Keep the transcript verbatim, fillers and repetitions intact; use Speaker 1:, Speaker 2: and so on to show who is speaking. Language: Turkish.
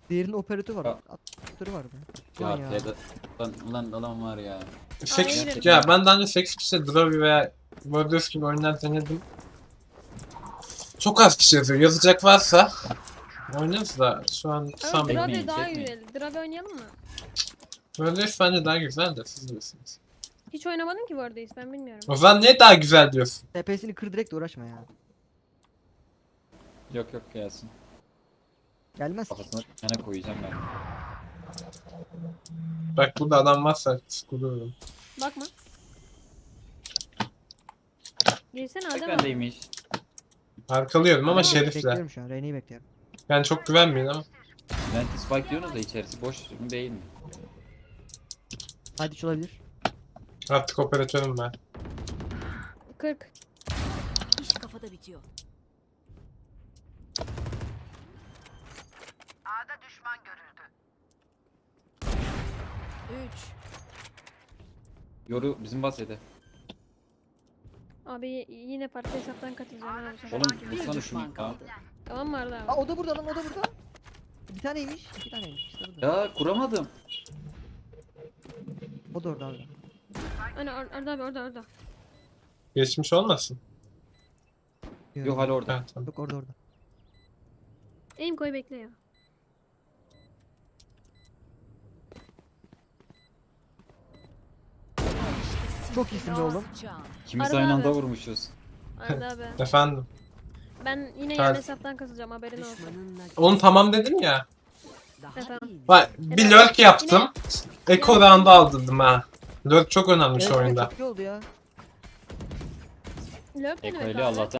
Speaker 1: Diğerinin operatörü var.
Speaker 2: Ya.
Speaker 1: Operatörü var be.
Speaker 2: Ya,
Speaker 1: Ulan ya.
Speaker 2: P'de lan ulan adam var ya.
Speaker 3: sekiz
Speaker 4: Aynen.
Speaker 3: ya ben daha önce sekiz kişi Dravi veya Bordeaux gibi oyunlar denedim. Çok az kişi yazıyor. Yazacak varsa oynarız da şu an
Speaker 4: Ama
Speaker 3: sanmıyorum.
Speaker 2: Çekmeyin,
Speaker 4: Drabe daha
Speaker 2: çekmeyin.
Speaker 4: güzel. Drabe oynayalım mı?
Speaker 3: Bordeaux bence daha güzel de siz bilirsiniz.
Speaker 4: Hiç oynamadım ki bu arada hiç, ben bilmiyorum.
Speaker 3: O zaman niye daha güzel diyorsun?
Speaker 1: T P'sini kır direkt de uğraşma ya.
Speaker 2: Yok yok gelsin.
Speaker 1: Gelmez ki.
Speaker 2: Kafasına yana koyacağım ben.
Speaker 3: Bak burada adam varsa sıkılıyorum.
Speaker 4: Bakma. Girsene
Speaker 2: Tek
Speaker 4: Adem abi.
Speaker 2: bendeymiş.
Speaker 3: Arkalıyorum ama
Speaker 4: Ama
Speaker 3: Şerif'le.
Speaker 1: Bekliyorum şu an. Reyne'yi bekliyorum.
Speaker 3: Yani çok güvenmeyin ama.
Speaker 2: Venti spike diyorsunuz da içerisi boş mu değil mi?
Speaker 1: Hadi hiç olabilir.
Speaker 3: Artık operatörüm ben.
Speaker 4: kırk.
Speaker 5: İş kafada bitiyor. Üç.
Speaker 2: Yoru bizim bahsede.
Speaker 4: Abi y- yine farklı hesaptan katılacağım ha bu sefer.
Speaker 2: Oğlum
Speaker 5: Bir
Speaker 2: vursana şunu
Speaker 5: düşman
Speaker 2: ya.
Speaker 5: kaldı.
Speaker 4: Tamam mı Arda
Speaker 1: Aa
Speaker 4: abi?
Speaker 1: o da burada lan o da burada. Bir taneymiş. iki taneymiş. İşte burada.
Speaker 2: Ya kuramadım.
Speaker 1: O da orada abi.
Speaker 4: Hani Ar- Arda abi orada orada.
Speaker 3: Geçmiş olmasın.
Speaker 2: Yok hala orada.
Speaker 3: Ha, tamam.
Speaker 1: Yok orada orada.
Speaker 4: Aim koy bekle ya.
Speaker 1: Çok iyisin be oğlum.
Speaker 5: Can.
Speaker 2: İkimiz
Speaker 4: Arada
Speaker 2: aynı
Speaker 4: abi.
Speaker 2: anda vurmuşuz.
Speaker 4: Arda abi.
Speaker 3: Efendim.
Speaker 4: Ben yine
Speaker 3: Gel.
Speaker 4: yan hesaptan katılacağım, haberin olsun.
Speaker 5: Düşmanınla
Speaker 3: Oğlum tamam dedim ya.
Speaker 5: daha
Speaker 4: Efendim?
Speaker 5: iyi.
Speaker 3: Bak bir lurk yaptım. Eko round'u aldırdım ha. Lurk çok önemli şu
Speaker 1: Evet,
Speaker 3: oyunda.
Speaker 1: çok iyi oldu ya.
Speaker 4: Lurk ne demek
Speaker 2: Eko'yla
Speaker 4: abi?
Speaker 2: Allah'tan